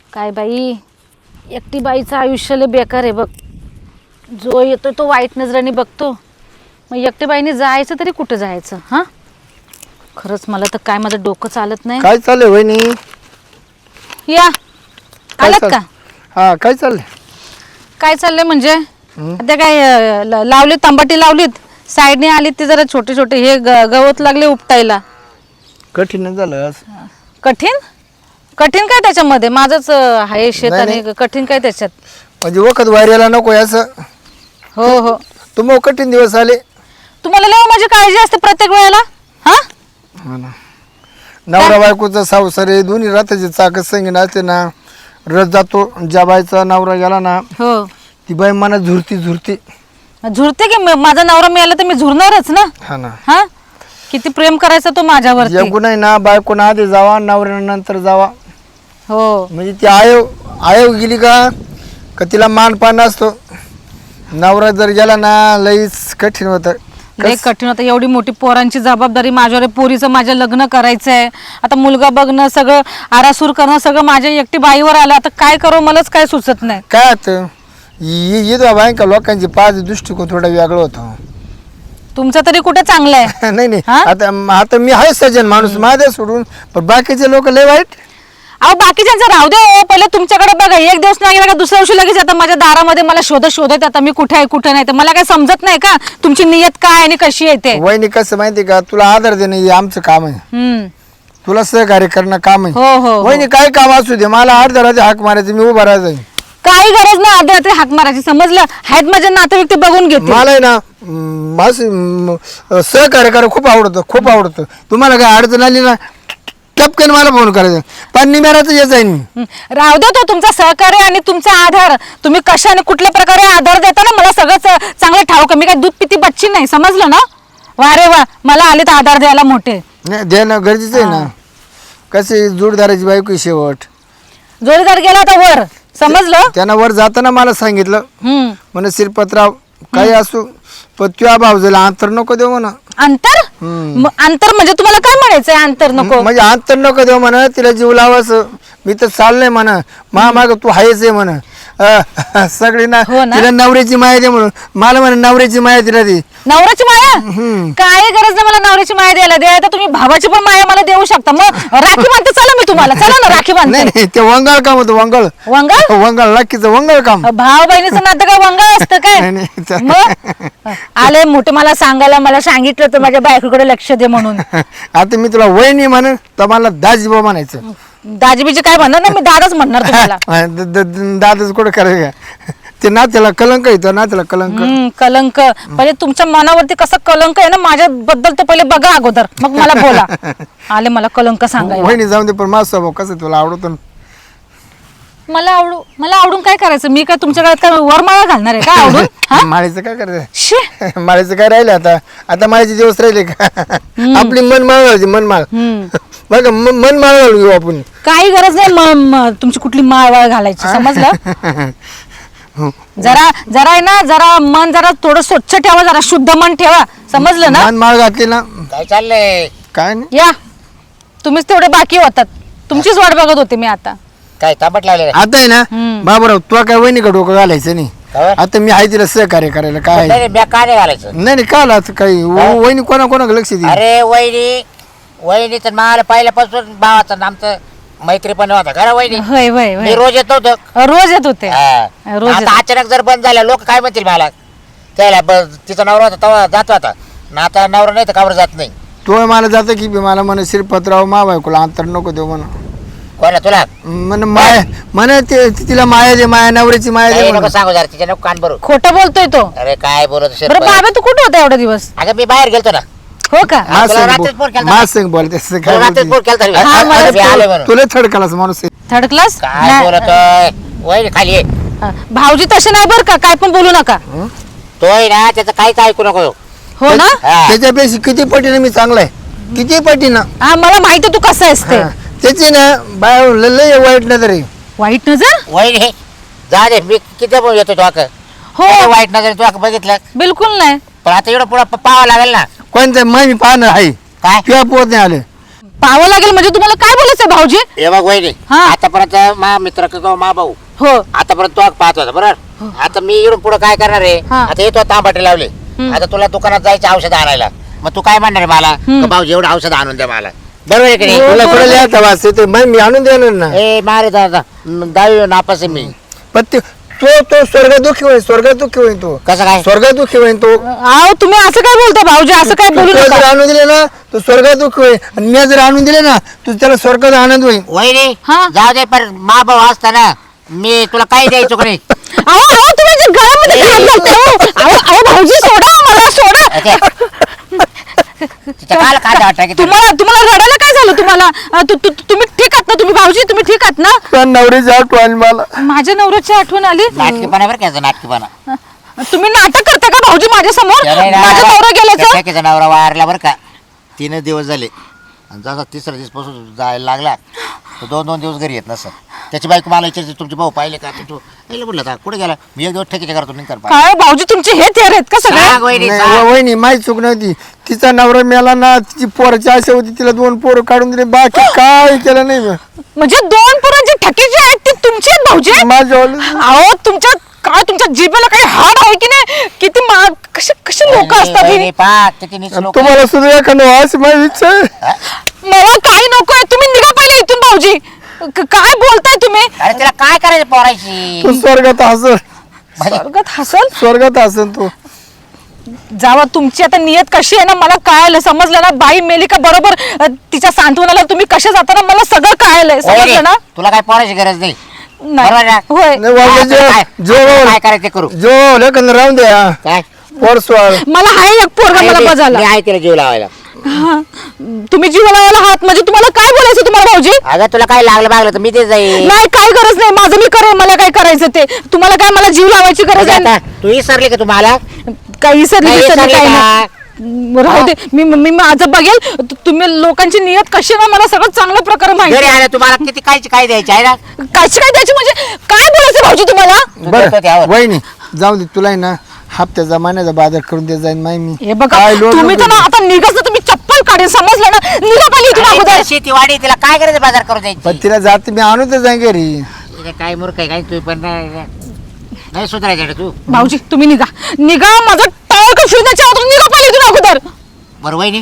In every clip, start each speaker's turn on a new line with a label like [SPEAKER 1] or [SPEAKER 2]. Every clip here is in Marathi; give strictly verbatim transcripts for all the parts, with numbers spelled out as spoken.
[SPEAKER 1] काय बाई, एकटी बाईचं आयुष्य लय बेकार आहे बघ. जो येतो तो वाईट नजराने बघतो. मग एकटी बाईने जायचं तरी कुठं जायचं? हा, खरंच मला तर काय माझं डोकं चालत नाही.
[SPEAKER 2] काय चाललंय वहिनी?
[SPEAKER 1] या आलात का?
[SPEAKER 2] हा, काय चाललंय?
[SPEAKER 1] काय चाललंय म्हणजे आता काय अं, ल- लावली तंबाटी लावलीत, साईडने आलीत ते जरा छोटे छोटे हे ग- गवत लागले उपटायला.
[SPEAKER 2] कठीण झालं आज.
[SPEAKER 1] कठीण कठीण काय त्याच्यामध्ये? माझंच अं, आहे शेत
[SPEAKER 2] नाही,
[SPEAKER 1] आणि कठीण काय त्याच्यात?
[SPEAKER 2] म्हणजे वखत वाऱ्याला नको असं.
[SPEAKER 1] हो हो,
[SPEAKER 2] तुम्ही कठीण दिवस आले.
[SPEAKER 1] तुम्हाला लय माझी काळजी असते प्रत्येक वेळेला. हा,
[SPEAKER 2] हा ना. नवरा बायकोचा संसार आहे, दोन्ही रात्रीचे चाक संगीन असते ना. रथ जातो, ज्या बाईचा नवरा गेला ना
[SPEAKER 1] हो,
[SPEAKER 2] ती बाई मनात झुरती झुरती.
[SPEAKER 1] झुरते की म- माझा नवरा मिळाला तर मी झुरणारच ना.
[SPEAKER 2] हा ना.
[SPEAKER 1] हा, किती प्रेम करायचा तो माझ्यावरती.
[SPEAKER 2] एकूण आहे ना, बायकोनं आधी जावा, नवऱ्यानंतर जावा.
[SPEAKER 1] हो,
[SPEAKER 2] म्हणजे ती आयोग आयोग गेली का का तिला मानपान असतो. नवरा जर गेला ना लईच कठीण होतं.
[SPEAKER 1] लय कठीण होतं. एवढी मोठी पोरांची जबाबदारी माझ्यावर आहे. पोरीचं माझ्या लग्न करायचंय, आता मुलगा बघणं, सगळं आरासूर करणं सगळं माझ्या एकटी बाईवर आलं. आता काय करू मलाच काय सुचत नाही.
[SPEAKER 2] काय होतं येतो बायका लोकांची पाच दृष्टिकोन थोडा वेगळं होतं.
[SPEAKER 1] तुमचं तरी कुठे चांगलं आहे?
[SPEAKER 2] नाही नाही,
[SPEAKER 1] हा?
[SPEAKER 2] आता आता मी आहे सज्जन माणूस, माझ्या सोडून, पण बाकीचे लोक लय वाईट.
[SPEAKER 1] अहो बाकीच्यांचं राहू दे हो, पहिले तुमच्याकडे बघा. एक दिवस नाही गेला का दुसऱ्या दिवशी लगेच आता माझ्या दारामध्ये मला शोधत शोधत आता मी कुठे आहे कुठे नाही. तर मला काय समजत नाही का तुमची नियत काय आणि कशी आहे ते?
[SPEAKER 2] वहिनी कसं माहिती का, तुला आदर देणं हे आमचं काम आहे.
[SPEAKER 1] हम्म,
[SPEAKER 2] तुला सहकार्य करणं काम आहे.
[SPEAKER 1] हो हो हो.
[SPEAKER 2] वहिनी काय काम असू दे, मला अर्ध्या रात्री हाक मारायचं, मी उभा राहायचं.
[SPEAKER 1] काही गरज नाही अर्ध्या रात्री हाक मारायची, समजलं? आहेत माझे नातेवाईक ते बघून घेते.
[SPEAKER 2] मला आहे ना म, असं म, सहकार्य करायला खूप आवडतं, खूप आवडतं. तुम्हाला काय अडचण आली ना टपकन मला फोन करायचं, पण निमेराचं येत जाईन मी.
[SPEAKER 1] हं, राहू दे तो तुमचा सहकार्य आणि तुमचा आधार. तुम्ही कशाने कुठल्या प्रकारे आधार देता ना मला सगळं च- चांगलं ठाऊक. मी काय दूध पिती बच्ची नाही, समजलं ना? वा रे वा, मला आलेत आधार द्यायला मोठे.
[SPEAKER 2] नाही देणं गरजेचं आहे ना. कशी जोडदाराची बायको आहे शेवट.
[SPEAKER 1] जोडीदार गेला आता वर, समजलं?
[SPEAKER 2] त्यानं वर जाताना मला सांगितलं
[SPEAKER 1] हम्म,
[SPEAKER 2] म्हणे शिरपतराव काही असू पण तुझ्या भावजेला अंतर नको देऊ म्हणा.
[SPEAKER 1] अंतर?
[SPEAKER 2] हम्म.
[SPEAKER 1] म- अंतर म्हणजे तुम्हाला काय म्हणायचंय अंतर नको?
[SPEAKER 2] म्हणजे अंतर नको देऊ म्हणा, तिला जीव लावास. मी तर चाललंय म्हणा, मा माग तू आहेच आहे म्हणा. अं, सगळी ना
[SPEAKER 1] हो ना?
[SPEAKER 2] तिला नवऱ्याची माया दे म्हणून. मला म्हणा नवऱ्याची माया तिला दे.
[SPEAKER 1] नवऱ्याची माया?
[SPEAKER 2] हम्म.
[SPEAKER 1] काय गरज नाही मला नवऱ्याची माया द्यायला. द्या तर तुम्ही भावाची पण माया मला देऊ शकता. मग राखी बांधते, चला मी तुम्हाला, चला ना राखी
[SPEAKER 2] नाही
[SPEAKER 1] बांधते.
[SPEAKER 2] नाही, ते वंगाळ काम होतं, वंगाळ.
[SPEAKER 1] वंगाळ?
[SPEAKER 2] वंगाळ नक्कीच वंगाळ काम.
[SPEAKER 1] भाव बहिणीचं नातं काय वंगाळ असतं काय?
[SPEAKER 2] नाही, नाही, त्या-
[SPEAKER 1] मग आले मोठे मला सांगायला, मला सांगितलं तर माझ्या बायकोकडे लक्ष दे म्हणून.
[SPEAKER 2] आता मी तुला वहिनी म्हणून तर मला दाजीबा म्हणायचं.
[SPEAKER 1] दाजीबीचे काय म्हणणार ना, मी दादाच म्हणणार तुम्हाला.
[SPEAKER 2] द- द- द- दादाच कुठं करायचं ते नात्याला कलंक येतो, नात्याला कलंक.
[SPEAKER 1] हम्म, कलंक. पहिले तुमच्या मनावरती कसा कलंक आहे ना माझ्याबद्दल तर पहिले बघा अगोदर, मग मला बोला. आले मला कलंक सांगायला.
[SPEAKER 2] वहिनी जाऊन दे, पण माझा स्वभाव कसं तुला आवडतो ना.
[SPEAKER 1] मला आवडू मला आवडून काय करायचं? मी काय तुमच्या गळ्यात काय वरमाळा घालणार आहे का आवडून? हा?
[SPEAKER 2] माळीचं काय करायचं?
[SPEAKER 1] शी.
[SPEAKER 2] माळीचं काय राहिलं आता? आता माळीचे दिवस राहिले का? आपली मनमाळ घालायची, मनमाळ.
[SPEAKER 1] हम्म.
[SPEAKER 2] बघा म- मनमाळ घालून घेऊ आपण.
[SPEAKER 1] काही गरज नाही म- म- तुमची कुठली माळवाळ घालायची, समजलं? जरा जरा आहे ना, जरा मन जरा थोडं स्वच्छ ठेवा, जरा शुद्ध मन ठेवा, समजलं ना?
[SPEAKER 2] मनमाळ घातली ना
[SPEAKER 3] काय चाललंय?
[SPEAKER 2] काय नाही.
[SPEAKER 1] या, तुम्हीच तेवढे बाकी होतात. तुमचीच वाट बघत होते मी आता.
[SPEAKER 3] काय तांबट लागले?
[SPEAKER 2] आता आहे ना
[SPEAKER 1] हम्म.
[SPEAKER 2] बाबराव, तुला काय वहिनी का डोकं घालायचं नाही.
[SPEAKER 3] काय?
[SPEAKER 2] आता मी आहे तिला सहकार्य करायला. काय
[SPEAKER 3] नाही बॅग काय नाही घालायचं?
[SPEAKER 2] नाही नाही, काल आता काही
[SPEAKER 3] काय?
[SPEAKER 2] वहिनी कोणा कोणाकडे लक्ष दे.
[SPEAKER 3] अरे वहिनी, वहिनी तर मला पहिल्यापासून भावाचं आणि आमचं मैत्री पण होता खरं वहिनी.
[SPEAKER 1] होय होय
[SPEAKER 3] मी
[SPEAKER 1] होय.
[SPEAKER 3] रोज येत नव्हतो.
[SPEAKER 1] रोज येत होते.
[SPEAKER 3] हा.
[SPEAKER 1] रोज
[SPEAKER 3] आता अचानक जर बंद झालं, लोक काय म्हणतील मला? त्याला ब- तिचा नवरा होता तेव्हा जात होता ना, आता नवरा नाही तर कावर जात नाही.
[SPEAKER 2] तो मला जातं की बी मला म्हणे शिरपतराव मा बायकोला अंतर नको देऊ म्हणा.
[SPEAKER 3] कोणा तुला?
[SPEAKER 2] म्हण माया म्हणे ते तिला माया दे, माया नवऱ्याची माया दे
[SPEAKER 3] काही
[SPEAKER 2] म्हणून.
[SPEAKER 3] नको सांगू जरा, तिच्या नको कान भरू.
[SPEAKER 1] खोटं बोलतोय तो.
[SPEAKER 3] अरे काय बोलत असेल?
[SPEAKER 1] बरं बाबा, तू कुठे होता एवढा दिवस?
[SPEAKER 3] अगं मी बाहेर गेलतो ना.
[SPEAKER 1] हो का?
[SPEAKER 3] हा, तुला रात्रीच फोन केलता.
[SPEAKER 2] माझ संग बोलते असं काय
[SPEAKER 3] तुला रात्रीच फोन
[SPEAKER 2] बोलते?
[SPEAKER 3] केलता मी.
[SPEAKER 1] हा, मला
[SPEAKER 3] अरे मी आलोय म्हणून.
[SPEAKER 2] तुला थडकालाच माणूस आहे.
[SPEAKER 1] Third class?
[SPEAKER 3] काय बोलतोय? वहिनी खाली ये.
[SPEAKER 1] भाऊजी तसे नाही बरं का, काय पण बोलू नका.
[SPEAKER 3] तोय ना त्याचं काहीच ऐकू नको.
[SPEAKER 1] हो ना?
[SPEAKER 3] हा.
[SPEAKER 2] त्याच्यापेक्षा किती पटीने मी चांगला आहे, किती पटीनं.
[SPEAKER 1] हा, मला माहिती आहे तू कसा आहेस ते.
[SPEAKER 2] हा. त्याची ना बाय लय लय वाईट नजर आहे.
[SPEAKER 1] वाईट नजर?
[SPEAKER 3] वहिनी जा दे, मी किती पण येतो तुला.
[SPEAKER 1] हो,
[SPEAKER 3] वाईट नजर तुला बघितलं,
[SPEAKER 1] बिलकुल नाही.
[SPEAKER 3] पण आता एवढं पुढं पाहावं लागेल ना.
[SPEAKER 2] कोणतं मग मी पाहणं आहे
[SPEAKER 3] काय?
[SPEAKER 2] किंवा पोत नाही आलं.
[SPEAKER 1] पाहावं लागेल म्हणजे तुम्हाला काय बोलायचं भाऊजी?
[SPEAKER 3] हे बघ वहिनी
[SPEAKER 1] हा.
[SPEAKER 3] आतापर्यंत मा मित्र किंवा मा भाऊ
[SPEAKER 1] हो
[SPEAKER 3] आतापर्यंत तो पाहत होता बरोबर. आता मी इकडून पुढे काय करणार आहे
[SPEAKER 1] हा.
[SPEAKER 3] आता येतो तांबाटे लावले. आता तुला दुकानात जायचं औषध आणायला मग तू काय म्हणणार आहे मला का भाऊजी एवढं औषध आणून द्या मला बरोबर आहे की नाही.
[SPEAKER 2] तुला कुठे लिहायचा वास येतो मग मी आणून देणार ना.
[SPEAKER 3] ए मारे दादा दहावी नापास आहे मी.
[SPEAKER 2] पण ते- तो तो स्वर्ग दुःखी होईल स्वर्ग दुःखी होईल तो
[SPEAKER 3] कसं काय
[SPEAKER 2] स्वर्ग दुःखी होईल तो.
[SPEAKER 1] अहो तुम्ही असं काय बोलता भाऊजी? असं काय बोलू
[SPEAKER 2] तो जर
[SPEAKER 1] नका.
[SPEAKER 2] आणून दिले ना तो स्वर्ग दुःखी होईल आणि मी जर आणून दिले ना तर त्याला स्वर्गात आनंद होईल.
[SPEAKER 3] वहिनी
[SPEAKER 1] हा.
[SPEAKER 3] जाऊ दे पण मा भाऊ असताना मी तुला काही द्यायचो का नाही.
[SPEAKER 1] अहो अहो तुम्ही जे गळ्यामध्ये हात घालता, अहो. अहो अहो, भाऊजी सोडा मला सोडा.
[SPEAKER 3] तिच्या काल काय वाटतं की तुला?
[SPEAKER 1] तुम्हाला तुम्हाला रडायला काय झालं तुम्हाला? अ, तु- तु- तुम्ही ठीक आहात ना? तुम्ही भाऊजी तुम्ही ठीक आहात ना?
[SPEAKER 2] पण नवरीची आठवण मला.
[SPEAKER 1] माझ्या नवऱ्याची आठवण आली.
[SPEAKER 3] नाटकीपणा बरं का नाटकीपणा.
[SPEAKER 1] तुम्ही नाटक करता का भाऊजी माझ्या समोर? माझा नवरा गेल्याचं?
[SPEAKER 3] त्याचा नवरा वारला बरं का तीन दिवस झाले आणि जसा तिसरा दिवस पासून जायला लागला तो दोन दोन दिवस घरी येत नसत. त्याची बायको मला विचारते तुमचे भाऊ पाहिले का तू पाहिलं म्हटलं आता कुठे गेला मी एक दिवस ठेकीच्या करतो नाही कर
[SPEAKER 1] काय भाऊजी तुमचे हे थेर आहेत का सगळे?
[SPEAKER 2] नाही, व- वहिनी माहीत चूक नव्हती. तिचा नवरा मेला ना तिची पोराची आशा होती तिला दोन पोरं काढून दिले बाकी काय केलं नाही मी.
[SPEAKER 1] म्हणजे दोन पोरांची ठकीची आहेत ती तुमची आहेत भाऊजी?
[SPEAKER 2] माझ्या
[SPEAKER 1] अहो तुमच्या काय तुमच्या जिभेला काही हाड आहे की नाही? किती मा कसे कसे लोक असतात हे?
[SPEAKER 2] तुम्हाला सुद्धा एखादं अशी माझी इच्छा आहे.
[SPEAKER 1] मला काही नकोय. तुम्ही निघा पहिले इथून भाऊजी. क- काय बोलताय तुम्ही?
[SPEAKER 3] अरे तिला काय करायचं पोरायची
[SPEAKER 2] तू स्वर्गात हसल
[SPEAKER 1] स्वर्गात हसल
[SPEAKER 2] स्वर्गात हसल तू.
[SPEAKER 1] जावा. तुमची आता नियत कशी आहे ना मला कळायलं समजलं ना. बाई मेली का बरोबर अ, तिच्या सांत्वनाला तुम्ही कसे जाता ना मला सगळं कळायलंय समजलं ना.
[SPEAKER 3] तुला काय पोरायची गरज नाही बरोबर
[SPEAKER 1] नाही
[SPEAKER 3] ना?
[SPEAKER 1] होय.
[SPEAKER 2] नाही, वावगे
[SPEAKER 3] आता काय-
[SPEAKER 2] जो जो
[SPEAKER 3] काय करायचं ते करू
[SPEAKER 2] जो लेखन राहून द्या
[SPEAKER 3] काय
[SPEAKER 2] पोर स्वर.
[SPEAKER 1] मला हाय एक पोरगा मला बजाला.
[SPEAKER 3] मी आहे तिला जीव लावायला.
[SPEAKER 1] हा. तुम्ही जीवनाला हात म्हणजे तुम्हाला काय बोलायचं तुम्हाला भाऊजी?
[SPEAKER 3] अगं तुला काय लागलं बागलं तर मी ते जाईल.
[SPEAKER 1] नाही काय गरज नाही. माझं मी करेन. मला काय करायचं ते. तुम्हाला काय मला जीव लावायची गरज आहे?
[SPEAKER 3] आता तू विसरली का तुम्हाला
[SPEAKER 1] काही विसरली
[SPEAKER 3] काही
[SPEAKER 1] विसरली
[SPEAKER 3] विसरली
[SPEAKER 1] काही
[SPEAKER 3] का?
[SPEAKER 1] नाही. राहू दे. मी मी माझं बघेल. तु- तुम्ही लोकांची नियत कशी आहे ना मला सगळं चांगल्या प्रकारे माहिती
[SPEAKER 3] घरी
[SPEAKER 1] आहे.
[SPEAKER 3] आलं तुम्हाला किती कायची काय द्यायची आहे ना.
[SPEAKER 1] कायची काय द्यायची म्हणजे काय बोलायचं भाऊजी तुम्हाला?
[SPEAKER 3] तू देतो त्यावर.
[SPEAKER 2] बरं वहिनी जाऊ दे तुला आहे ना हप्त्याचा महिन्याचा बाजार करून दे जाईन माय मी.
[SPEAKER 1] हे बघा
[SPEAKER 2] काय लोक
[SPEAKER 1] तुम्ही तर ना आता निघाच ना. तुम्ही चप्पल काढेल समजलं ना. निघा पहिले इथून
[SPEAKER 3] आणि
[SPEAKER 1] अगोदर.
[SPEAKER 3] इथं शेती वाडी तिला काय करायचं बाजार करू द्यायची.
[SPEAKER 2] पण तिला जाते मी आणून तर जाईन घरी.
[SPEAKER 3] तिला काय मूर्ख आहे काय तू पण नाही नाही सुधारायचं रे तू.
[SPEAKER 1] भाऊजी तुम्ही निघा निघा. माझं टाळ का फिरण्याच्या अगोदर निघा पहिले इथून अगोदर.
[SPEAKER 3] बरं वहिनी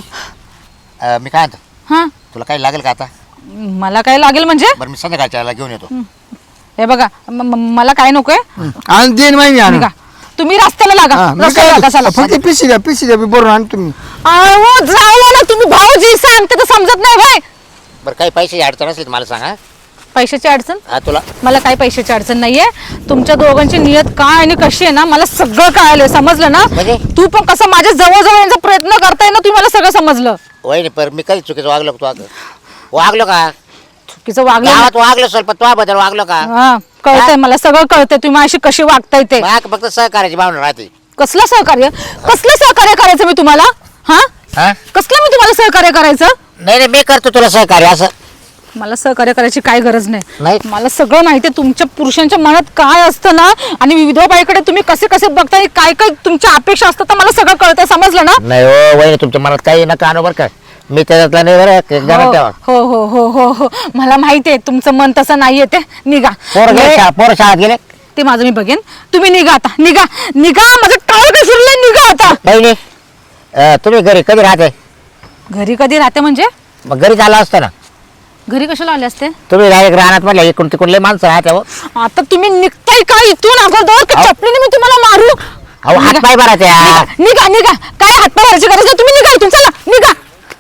[SPEAKER 3] अं, मी काय म्हणतो
[SPEAKER 1] हा
[SPEAKER 3] तुला काही लागेल का आता.
[SPEAKER 1] मला काय लागेल म्हणजे?
[SPEAKER 3] बरं मी संध्याकाळच्या वेळेला घेऊन येतो.
[SPEAKER 1] हे बघा म- म- मला काय नकोय.
[SPEAKER 2] आणि देईन माय मी आणून.
[SPEAKER 1] निघा तुम्ही रस्त्याला लागा.
[SPEAKER 2] हा, मी
[SPEAKER 1] रस्त्याला
[SPEAKER 2] काय
[SPEAKER 1] लागा चला.
[SPEAKER 2] फक्त पिशी द्या पिशी द्या मी बरोबर आण तुम्ही.
[SPEAKER 1] अहो जाऊ ना तुम्ही भाऊजी. सांगते तर समजत नाही भाई.
[SPEAKER 3] बरं काही पैशाची अडचण असेल तर मला सांगा.
[SPEAKER 1] पैशाची अडचण?
[SPEAKER 3] हा तुला
[SPEAKER 1] मला काही पैशाची अडचण नाहीये. तुमच्या दोघांची नियत काय आणि कशी आहे ना मला सगळं कळालंय समजलं ना.
[SPEAKER 3] म्हणजे?
[SPEAKER 1] तू पण कसं माझ्या जवळ जवळ यायचा प्रयत्न करताय ना तुम्ही मला सगळं समजलं.
[SPEAKER 3] वहिनी पर मी कधी चुकीचं वागलो का तू अगं वागलो का
[SPEAKER 1] चुकीचं वागलं
[SPEAKER 3] गावात वागलो स्वल्प तो बद्दल वागलो का.
[SPEAKER 1] हा कळतंय मला सगळं कळतंय तुम्ही माझी कशी वागताय ते.
[SPEAKER 3] मग फक्त सहकार्याची भावना राहते.
[SPEAKER 1] कसलं सहकार्य? कसलं सहकार्य करायचं मी तुम्हाला? हा
[SPEAKER 3] हा
[SPEAKER 1] कसलं मी तुम्हाला सहकार्य करायचं?
[SPEAKER 3] नाही नाही मी करतो तुला सहकार्य असं
[SPEAKER 1] मला सहकार्य करायची काय गरज नाही.
[SPEAKER 3] नाही.
[SPEAKER 1] मला सगळं माहिती आहे तुमच्या पुरुषांच्या मनात काय असतं ना आणि विधवा बाईकडे तुम्ही कसे कसे बघता आणि काय काय तुमच्या अपेक्षा असतात तर मला सगळं कळतंय समजलं ना.
[SPEAKER 3] नाही हो वहिनी तुमच्या मनात काही नका आणू बरं का. मी त्याच्यातला नाही बरं घरात ठेवा.
[SPEAKER 1] हो हो हो हो हो मला माहिती आहे तुमचं मन तसं नाहीये ते. निघा.
[SPEAKER 3] पोर गेले
[SPEAKER 1] हे-
[SPEAKER 3] शा- पोर शाळेत गेले.
[SPEAKER 1] ते माझं मी बघेन. तुम्ही निघा आता. निघा निघा. माझं टाळ काय फिरलंय. निघा आता.
[SPEAKER 3] बहिणी अं, तुम्ही घरी कधी राहते.
[SPEAKER 1] घरी कधी राहते म्हणजे?
[SPEAKER 3] मग घरी झालं असतं ना.
[SPEAKER 1] घरी कशाला आले असते?
[SPEAKER 3] तुम्ही डायरेक्ट राहणार म्हटलं इकडून तिकडून लय माणसं राहते हो.
[SPEAKER 1] आता तुम्ही निघताय का इथून अगोदर की
[SPEAKER 3] अहो.
[SPEAKER 1] चपलीने मी तुम्हाला मारू?
[SPEAKER 3] अहो हात पाय भरायचे
[SPEAKER 1] निघा निघा निघा. काय हातपाय भरायची गरज नाही. तुम्ही निघा इथून. चला निघा.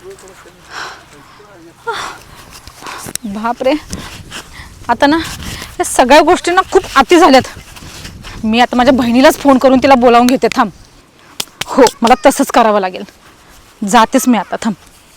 [SPEAKER 1] बापरे आता ना या सगळ्या गोष्टींना खूप अति झाल्यात. मी आता माझ्या बहिणीलाच फोन करून तिला बोलावून घेते. थांब. हो मला तसंच करावं लागेल. जातेच मी आता. थांब.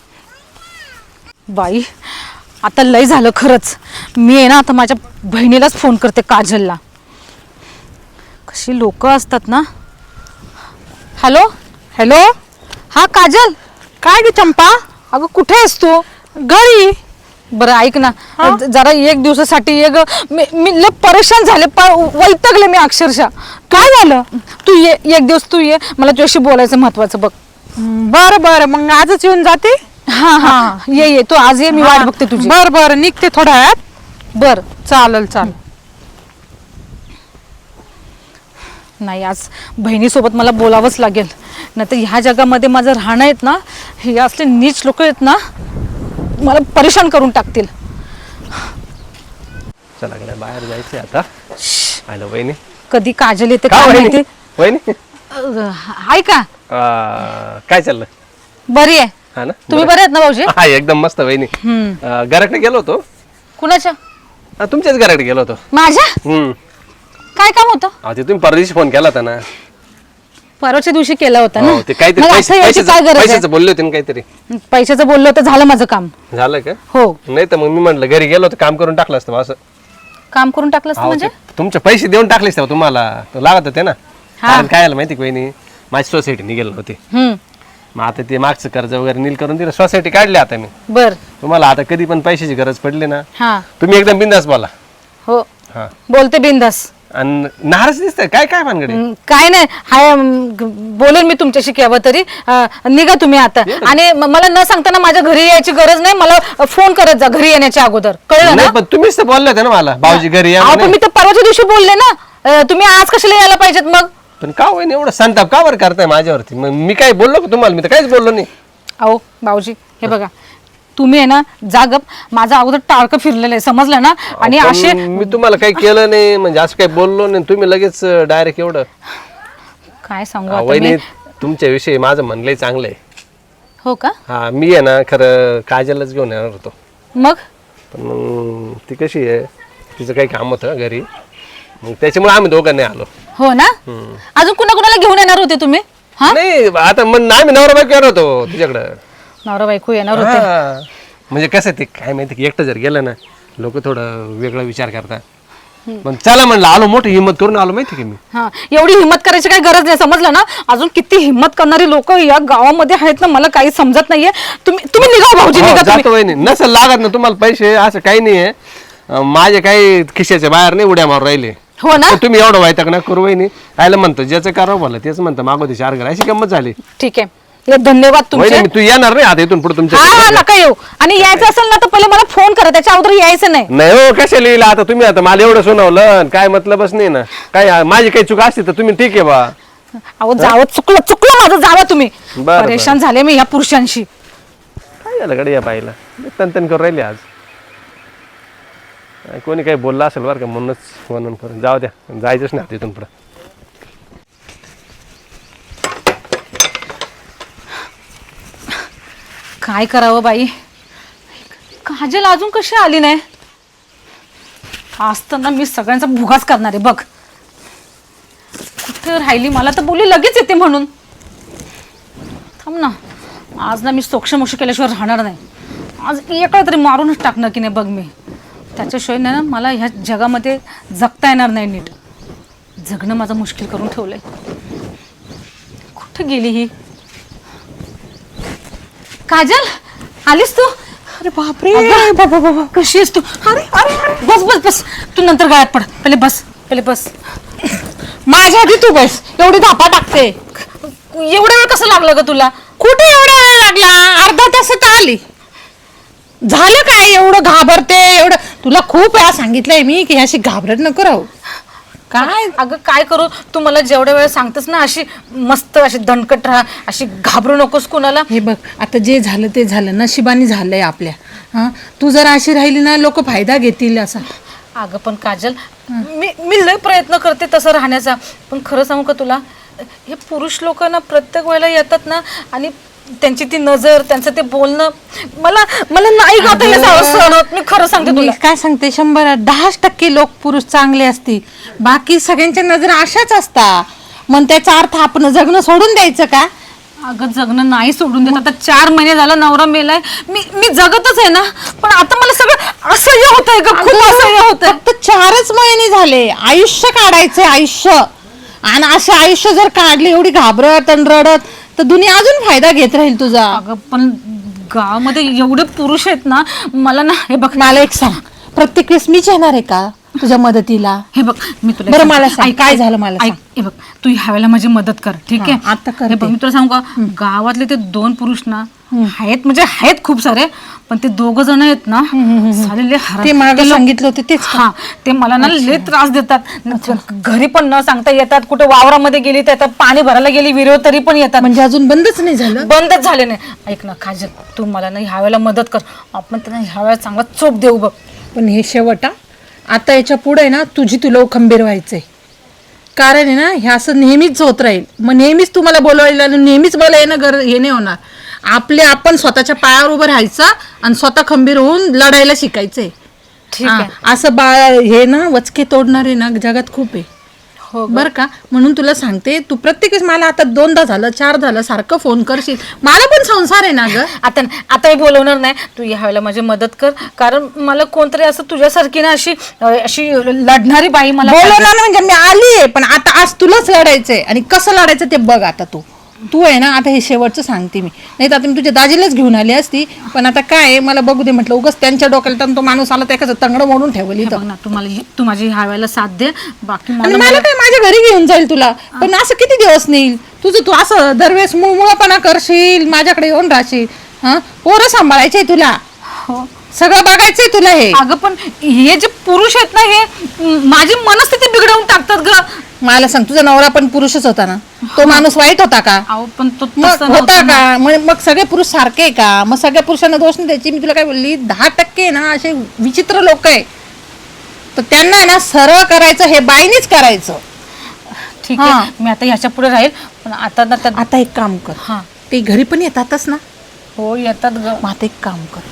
[SPEAKER 1] बाई आता लय झालं खरंच. मी आहे ना आता माझ्या बहिणीलाच फोन करते काजलला. कशी लोक असतात ना. हॅलो हॅलो हा काजल. काय ग चंपा? अगं कुठे आहेस तू? घरी. बरं ऐक ना ज- जरा एक दिवसासाठी ये ग. मी मी लय परेशान झाले प- वैतागले मी अक्षरशः. काय झालं? तू ये एक दिवस तू ये. मला तुझ्याशी बोलायचं महत्वाचं बघ.
[SPEAKER 4] बरं बरं मग आजच येऊन जाते.
[SPEAKER 1] हा हा ये ये तू आज ये, मी वाट बघते तुझी.
[SPEAKER 4] बर बर निघते थोड्या वेळात.
[SPEAKER 1] बर.
[SPEAKER 4] चालेल चालेल.
[SPEAKER 1] नाही आज बहिणीसोबत मला बोलावंच लागेल, नाही तर ह्या जगामध्ये माझं राहणं आहेत ना, हे असले नीच लोक आहेत ना, मला परेशान करून टाकतील.
[SPEAKER 5] चला गड्या बाहेर जायचंय आता. आलं वहिनी.
[SPEAKER 1] कधी काजल येते
[SPEAKER 5] का
[SPEAKER 1] काय
[SPEAKER 5] वहिनी
[SPEAKER 1] माहिती.
[SPEAKER 5] वहिनी
[SPEAKER 1] अं, आहे का?
[SPEAKER 5] आ, काय चाललं?
[SPEAKER 1] बरी आहे.
[SPEAKER 5] हा ना
[SPEAKER 1] तुम्ही
[SPEAKER 5] बरं.
[SPEAKER 1] बरे आहेत ना भाऊजी?
[SPEAKER 5] हा एकदम मस्त वहिनी.
[SPEAKER 1] हम्म.
[SPEAKER 5] घराकडे गेलो होतो.
[SPEAKER 1] कुणाच्या?
[SPEAKER 5] आ, तुमच्याच घराकडे गेलो होतो.
[SPEAKER 1] माझ्या?
[SPEAKER 5] हम्म
[SPEAKER 1] काय काम होतं?
[SPEAKER 5] अहो, ते तुम्ही परदेशी फोन केला होता ना.
[SPEAKER 1] परवाच्या दिवशी केला होता ना.
[SPEAKER 5] हो, ते काहीतरी
[SPEAKER 1] मग
[SPEAKER 5] पैसे-
[SPEAKER 1] आता याची
[SPEAKER 5] पैशाचं
[SPEAKER 1] काय गरज आहे?
[SPEAKER 5] पैशाचं बोलले होते ना काहीतरी.
[SPEAKER 1] पैशाचं बोललो तर झालं माझं काम.
[SPEAKER 5] झालं का?
[SPEAKER 1] हो.
[SPEAKER 5] नाही तर मग मी म्हटलं घरी गेलो होतो काम करून टाकलं असतं बा असं.
[SPEAKER 1] काम करून टाकलं असतं
[SPEAKER 5] अहो,
[SPEAKER 1] म्हणजे?
[SPEAKER 5] ते तुमचे पैसे देऊन टाकलेस तेव्हा तुम्हाला तो लागत होते ना.
[SPEAKER 1] हा.
[SPEAKER 5] कारण काय आलं माहिती का वहिनी, माझी सोसायटी निघेल होती.
[SPEAKER 1] हम्म.
[SPEAKER 5] मग आता ते मागचं कर्ज वगैरे नील करून दिलं, सोसायटी काढली आता मी.
[SPEAKER 1] बर.
[SPEAKER 5] तुम्हाला आता कधी पण पैशाची गरज पडली ना,
[SPEAKER 1] हा.
[SPEAKER 5] तुम्ही एकदम बिंदास बोला.
[SPEAKER 1] हो.
[SPEAKER 5] हा.
[SPEAKER 1] बोलते बिंदास.
[SPEAKER 5] आणि नाराज दिसतंय काय काय भानगडे?
[SPEAKER 1] हम्म, काय नाही हाय. अम, ग- बोलेन मी तुमच्याशी केव्हा तरी. अं, निघा तुम्ही आता. आणि म- मला न सांगताना माझ्या घरी यायची गरज नाही. मला अ, फोन करत जा घरी येण्याच्या अगोदर, कळलं ना?
[SPEAKER 5] नाही पण तुम्हीच तर बोलले होते ना मला भाऊजी घरी या
[SPEAKER 1] अहो, पण
[SPEAKER 5] म्हणे.
[SPEAKER 1] मी तर परवाच्या दिवशी बोलले ना. अं, तुम्ही आज कशाला यायला पाहिजेत मग?
[SPEAKER 5] पण का होईन एवढं संताप का बरं करताय माझ्यावरती? मग मी काय बोललो का तुम्हाला? मी तर काहीच बोललो नाही.
[SPEAKER 1] अहो भाऊजी हे बघा, तुम्ही आहे ना जागप, माझा अगोदर टाळकं फिरलेलं आहे, समजलं ना? आणि
[SPEAKER 5] पण
[SPEAKER 1] असे
[SPEAKER 5] मी तुम्हाला काही केलं नाही म्हणजे असं काही बोललो नाही, तुम्ही लगेच डायरेक्ट एवढं.
[SPEAKER 1] काय सांगू
[SPEAKER 5] हा,
[SPEAKER 1] आता
[SPEAKER 5] वहिनी
[SPEAKER 1] मी.
[SPEAKER 5] तुमच्याविषयी माझं म्हणलंय चांगलं आहे.
[SPEAKER 1] हो का?
[SPEAKER 5] हा मी आहे ना खरं काजलच घेऊन येणार होतो,
[SPEAKER 1] मग
[SPEAKER 5] पण मग ती कशी आहे, तिचं काही काम होतं घरी, मग त्याच्यामुळे आम्ही दोघं नाही आलो.
[SPEAKER 1] हो ना? अजून कुणा कुणाला घेऊन येणार होते तुम्ही? हा,
[SPEAKER 5] नाही आता मग आम्ही नवरा बायको येणार होतो तुझ्याकडं.
[SPEAKER 1] नवरा बायको येणार होते.
[SPEAKER 5] हा. म्हणजे कसं ते काय माहिती की एकटं जर गेलं ना लोक थोडं वेगळा विचार करतात. पण चला म्हणलं आलो, मोठी हिंमत करून आलो माहिती की मी.
[SPEAKER 1] हा, एवढी हिंमत करायची काही गरज नाही, समजलं ना? अजून किती हिंमत करणारी लोक या गावामध्ये आहेत ना, मला काही समजत नाहीये. तुम्ही तुम्ही निघा भाऊजी,
[SPEAKER 5] हो,
[SPEAKER 1] निघा तुम्ही.
[SPEAKER 5] जातो वहिनी. नसेल लागत ना तुम्हाला पैसे असं काही नाहीये. अं, माझे काही खिशाच्या बाहेर नाही उड्या मारून राहिले.
[SPEAKER 1] हो ना?
[SPEAKER 5] तर तुम्ही एवढं व्हायचं ना करू वहिनी. आयला म्हणतो ज्याचं करावं भलं तेच म्हणतं मागवते चार घर, अशी गंमत झाली.
[SPEAKER 1] ठीक आहे, लय धन्यवाद तुमचे.
[SPEAKER 5] वहिनी तू येणार नाही आता इथून पुढे तुमच्या
[SPEAKER 1] हा हा,
[SPEAKER 5] घरी.
[SPEAKER 1] नका येऊ. आणि यायचं असेल ना तर पहिले मला फोन करा, त्याच्या अगोदर यायचं नाही.
[SPEAKER 5] नाही हो, कशाला लिहिलं आता तुम्ही? आता मला एवढं सुनावलं काय मतलबच नाही ना. काय माझी काही चूक असते तर तुम्ही ठीक आहे बा.
[SPEAKER 1] अहो जावं, चुकलं चुकलं माझं, जावा तुम्ही.
[SPEAKER 5] बरं.
[SPEAKER 1] परेशान झाले मी या पुरुषांशी.
[SPEAKER 5] काय झालं कडे या बाईला तन करून राहिली आज. काय कोणी काही बोललं असेल बरं का, म्हणूनच म्हणून करून जाऊ द्या, जायचंच नाही आता इथून पुढं.
[SPEAKER 1] काय करावं बाई, काजल अजून कशी आली नाही? असताना मी सगळ्यांचा भुगाच करणार आहे बघ. कुठे राहिली? मला तर बोली लगेच येते म्हणून. थांब ना, आज ना मी सोक्षमोक्ष केल्याशिवाय राहणार नाही. आज एका तरी मारूनच टाकणार की नाही बघ मी. त्याच्याशिवाय ना मला ह्या जगामध्ये जगता येणार नाही नीट. जगणं माझं मुश्किल करून ठेवलंय. कुठं गेली ही काजल? आलीस तू?
[SPEAKER 4] अरे बापरे,
[SPEAKER 1] अगं,
[SPEAKER 4] बाबा बाबा.
[SPEAKER 1] कशी आहेस तू? अरे अरे अरे, बस बस बस, तू नंतर गायब पड, पहिले बस, पहिले बस.
[SPEAKER 4] माझ्या आधी तू बस, एवढी धापा टाकते.
[SPEAKER 1] एवढा वेळ कसं लागलं ग तुला?
[SPEAKER 4] कुठे एवढा वेळ लागला? अर्धा तासात आली. झालं काय एवढं घाबरते? एवढं तुला खूप वेळा सांगितलंय मी की अशी घाबरत नको राहू. काय
[SPEAKER 1] अगं काय करू, तू मला जेवढ्या वेळ सांगतेस ना अशी मस्त अशी दणकट राहा, अशी घाबरू नकोस कुणाला.
[SPEAKER 4] हे बघ, आता जे झालं ते झालं, नशिबाने झालंय आपल्या. हा, तू जर अशी राहिली ना लोक फायदा घेतील असा.
[SPEAKER 1] अगं पण काजल, मी मी लय प्रयत्न करते तसं राहण्याचा, पण खरं सांगू का तुला, हे पुरुष लोक ना प्रत्येक वेळेला येतात ना, आणि त्यांची ती नजर, त्यांचं ते बोलणं, मला मला नाही गाता हे सहन होत. मी खरं सांगते
[SPEAKER 4] मी
[SPEAKER 1] तुला.
[SPEAKER 4] काय सांगते, शंभर दहाच टक्के लोक पुरुष चांगले असतील, बाकी सगळ्यांच्या नजर अशाच असतात. मग त्याचा अर्थ आपण जगणं सोडून द्यायचं का?
[SPEAKER 1] अगं जगणं नाही सोडून देत. आता चार महिने झाला नवरा मेलाय, मी मी जगतच आहे ना, पण आता मला सगळं असह्य होतंय ग, खूप असह्य होतंय.
[SPEAKER 4] फक्त चारच महिने झाले, आयुष्य काढायचंय आयुष्य. आणि असे आयुष्य जर काढले एवढी घाबरत आणि रडत, तर दुनिया अजून फायदा घेत राहील तुझा.
[SPEAKER 1] अगं पण गावामध्ये एवढे पुरुष आहेत ना, मला ना, हे बघ
[SPEAKER 4] मला एक सांग, प्रत्येक वेळेस मीच येणार आहे का तुझ्या मदतीला?
[SPEAKER 1] हे बघ मी तुला
[SPEAKER 4] बरं,
[SPEAKER 1] एक
[SPEAKER 4] मला
[SPEAKER 1] सांगते.
[SPEAKER 4] सांग,
[SPEAKER 1] ऐक,
[SPEAKER 4] काय
[SPEAKER 1] ऐक,
[SPEAKER 4] झालं मला
[SPEAKER 1] ऐक,
[SPEAKER 4] सांग.
[SPEAKER 1] हे बघ तू ह्या वेळेला माझी मदत कर, ठीक आहे?
[SPEAKER 4] हा, आता करते.
[SPEAKER 1] हे बघ मी तुला सांगू का, गावातले ते दोन पुरुष ना आहेत म्हणजे आहेत खूप सारे, पण ते दोघ जण आहेत ना सालेले हराम.
[SPEAKER 4] ते मागं सांगितलं होते तेच का?
[SPEAKER 1] हा ते मला ना लय त्रास देतात. घरी पण न सांगता येतात, कुठे वावरामध्ये गेली तर पाणी भरायला गेली विहिरीवर तरी पण येतात.
[SPEAKER 4] म्हणजे अजून बंदच नाही झालं?
[SPEAKER 1] बंदच झाले नाही. ऐक ना काजल, तू मला ना ह्या वेळेला मदत कर, आपण त्यांना ह्या वेळेला चांगला चोप देऊ बघ.
[SPEAKER 4] पण हे शेवट हा. आता याच्या पुढे ना तुझी तुला खंबीर व्हायचंय. कारण आहे ना हे असं नेहमीच होत राहील. मग नेहमीच तुम्हाला बोलवायला आणि नेहमीच मला येणं गर हे नाही होणार. आपले आपण स्वतःच्या पायावर उभं राहायचं आणि स्वतः खंबीर होऊन लढायला शिकायचंय.
[SPEAKER 1] ठीक
[SPEAKER 4] हा,
[SPEAKER 1] आहे.
[SPEAKER 4] असं बा हे ना वचके तोडणारे ना जगात खूप आहे.
[SPEAKER 1] हो
[SPEAKER 4] बर का? म्हणून तुला सांगते, तू प्रत्येकच मला आता दोनदा झालं चार झालं सारखं फोन करशील. मला पण संसार आहे ना ग.
[SPEAKER 1] आता आता मी बोलवणार नाही. तू ह्या वेळेला माझी मदत कर, कारण मला कोणतरी असं तुझ्यासारखी ना अशी अशी लढणारी बाई मला
[SPEAKER 4] बोलवणार नाही म्हणजे मी आली आहे, पण आता आज तुलाच लढायचंय. आणि कसं लढायचं ते बघ. आता तू तू आहे ना, आता हे शेवटचं सांगते मी. नाही तर आता मी तुझ्या दाजीलाच घेऊन आली असती, पण आता काय आहे, मला बघू दे म्हटलं. उगाच त्यांच्या डोक्याला तर तो माणूस आला त्याचं तंगड मोडून ठेवली.
[SPEAKER 1] बघ ना, तू मला तू माझी ह्या वेळेला साथ दे. बाकी
[SPEAKER 4] आणि
[SPEAKER 1] मला
[SPEAKER 4] मला काय माझ्या घरी घेऊन जाईल तुला, पण असं किती दिवस नेईल तुझं? तू असं दरवेळेस मुळमुळपणा करशील, माझ्याकडे येऊन राहशील. हा, पोरं सांभाळायचे तुला, सगळं बघायचंय तुला. हे
[SPEAKER 1] अगं पण हे जे पुरुष आहेत ना, हे माझी मनस्थिती बिघडवून टाकतात ग.
[SPEAKER 4] मला सांग, तुझा नवरा पण पुरुषच होता ना? तो माणूस वाईट होता का?
[SPEAKER 1] अहो पण तो
[SPEAKER 4] मग
[SPEAKER 1] तसा
[SPEAKER 4] होता
[SPEAKER 1] नव्हता ना.
[SPEAKER 4] का? मग मग सगळे पुरुष सारखे आहे का? मग सगळ्या पुरुषांना दोष नाही द्यायची. मी तुला काय बोलली, दहा टक्के ना असे विचित्र लोक आहे, तर त्यांना आहे ना सरळ करायचं, हे बाईनीच करायचं.
[SPEAKER 1] ठीक
[SPEAKER 4] हा.
[SPEAKER 1] आहे, मी आता ह्याच्या पुढे राहील. पण आता ना त्या
[SPEAKER 4] आता एक काम कर,
[SPEAKER 1] हा
[SPEAKER 4] ते घरी पण येतातच ना?
[SPEAKER 1] हो येतात ग.
[SPEAKER 4] मग आता एक काम कर,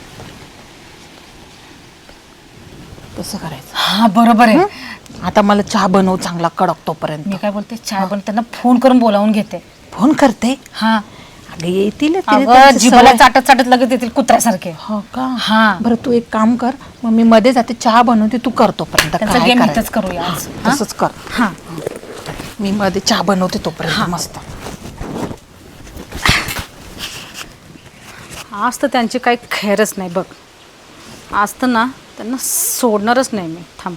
[SPEAKER 4] तसं करायचं.
[SPEAKER 1] हा बरोबर आहे.
[SPEAKER 4] आता मला चहा बनव चांगला कडक तोपर्यंत.
[SPEAKER 1] मी काय बोलते, चहा पण त्यांना फोन करून बोलावून घेते.
[SPEAKER 4] फोन करते.
[SPEAKER 1] हा
[SPEAKER 4] अगं येतील
[SPEAKER 1] अगं जिभेला चाटत चाटत लगेच येतील कुत्र्यासारखे.
[SPEAKER 4] हो का?
[SPEAKER 1] हा.
[SPEAKER 4] बरं तू एक काम कर, मग मी मध्ये जाते चहा बनवते, तू कर तोपर्यंत.
[SPEAKER 1] त्यांचा
[SPEAKER 4] काय
[SPEAKER 1] गेम
[SPEAKER 4] करायचं?
[SPEAKER 1] इथंच करूया आज.
[SPEAKER 4] तसंच कर.
[SPEAKER 1] हा
[SPEAKER 4] मी मध्ये चहा बनवते तोपर्यंत. मस्त.
[SPEAKER 1] आज तर त्यांची काही खैरच नाही बघ. आज तर ना त्यांना सोडणारच नाही मी. थांब.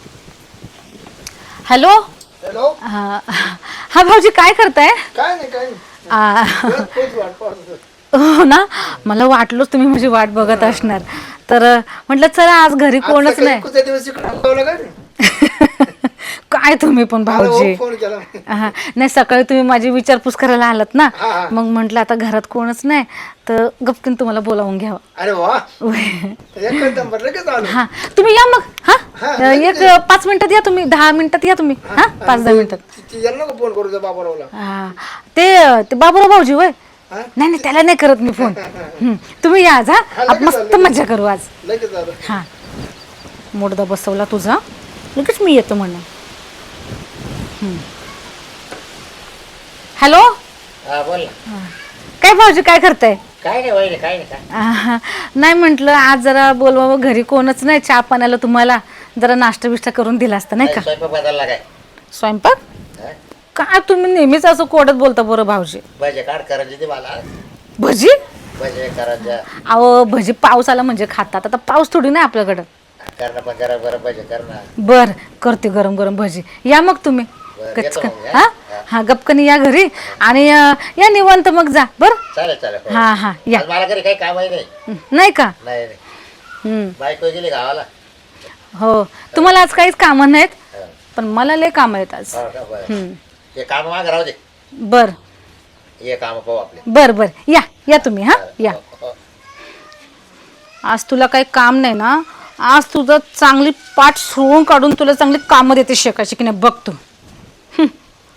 [SPEAKER 1] हॅलो.
[SPEAKER 2] हॅलो.
[SPEAKER 1] हा हा भाऊजी काय करताय?
[SPEAKER 2] काय नाही काय नाही.
[SPEAKER 1] आ,
[SPEAKER 2] तोच वाट पाहत होतो.
[SPEAKER 1] हो ना, मला वाटलंच तुम्ही माझी वाट बघत असणार. तर म्हटलं चला आज घरी कोणच
[SPEAKER 2] आज सकाळी
[SPEAKER 1] नाही.
[SPEAKER 2] कुठल्या दिवस इकडं थांबवलं का रे?
[SPEAKER 1] काय तुम्ही पण
[SPEAKER 2] मला
[SPEAKER 1] भाऊजी.
[SPEAKER 2] फोन केला.
[SPEAKER 1] हा नाही, सकाळी तुम्ही माझी विचारपूस करायला आलात ना,
[SPEAKER 2] हा, हा.
[SPEAKER 1] मग म्हटलं आता घरात कोणच नाही तर गपकीन तुम्हाला बोलावून घ्यावं.
[SPEAKER 2] अरे वा, एक नंबर लगेच आलो.
[SPEAKER 1] हा तुम्ही या मग.
[SPEAKER 2] हा,
[SPEAKER 1] हा एक पाच मिनिटात या तुम्ही, दहा मिनिटात या तुम्ही. हा पाच दहा मिनिटात.
[SPEAKER 2] ती- याला नको फोन करू त्या बाबारावला.
[SPEAKER 1] हा ते ते बाबूराव भाऊजी होय.
[SPEAKER 2] हा?
[SPEAKER 1] नाही नाही त्याला नाही करत मी फोन. हं, तुम्ही या आज. हा
[SPEAKER 2] लगेच
[SPEAKER 1] आपण मस्त
[SPEAKER 2] आलो.
[SPEAKER 1] मजा करू आज.
[SPEAKER 2] लगेच आलो.
[SPEAKER 1] हा मोडदा बसवला तुझा, लगेच मी येतो म्हणून. हॅलो.
[SPEAKER 3] हा बोल ना.
[SPEAKER 1] काय भाऊजी काय करताय?
[SPEAKER 3] काय नाही वहिनी, काय नाही काय
[SPEAKER 1] आहा, नाही म्हटलं आज जरा बोलवावं, घरी कोणच नाही. चहा पाण्याला तुम्हाला जरा नाश्ता बिष्टा करून दिला असता नाही का?
[SPEAKER 3] स्वयंपाक बदलला काय?
[SPEAKER 1] स्वयंपाक
[SPEAKER 3] हा?
[SPEAKER 1] काय तुम्ही नेहमीच असं कोडत बोलता बरं भाऊजी.
[SPEAKER 3] भजे काढ करायचे ते मला.
[SPEAKER 1] भजी?
[SPEAKER 3] भजे करायच्या
[SPEAKER 1] अहो भजी पाऊस आला म्हणजे खातात. आता पाऊस थोडी नाही आपल्याकडं.
[SPEAKER 3] करणं पण गरम गरम भजे करणं.
[SPEAKER 1] बर करते गरम गरम भजी. या मग तुम्ही
[SPEAKER 3] बरं,
[SPEAKER 1] कचकन.
[SPEAKER 3] येतो मग,
[SPEAKER 1] हा हा गपकन या घरी आणि अं, या निवांत मग जा बर.
[SPEAKER 3] चालेल चालेल हो.
[SPEAKER 1] हा हा या.
[SPEAKER 3] आज मला घरी काही काम आहे नाही.
[SPEAKER 1] नाही का?
[SPEAKER 3] नाही नाही.
[SPEAKER 1] हम्म.
[SPEAKER 3] बायको गेली गावाला.
[SPEAKER 1] हो तुम्हाला आज काहीच कामं नाहीत,
[SPEAKER 3] हा.
[SPEAKER 1] पण मला लय काम आहेत आज.
[SPEAKER 3] हो का? बरं.
[SPEAKER 1] हम्म.
[SPEAKER 3] हे काम माग राहू दे.
[SPEAKER 1] बर
[SPEAKER 3] हे काम पाहू आपले.
[SPEAKER 1] बर बर या या तुम्ही. हा या.
[SPEAKER 3] हो, हो.
[SPEAKER 1] आज तुला काही काम नाही ना, आज तुझं चांगली पाठ सोडून काढून तुला चांगली कामं देते शिकायची की नाही बघ तू. हं.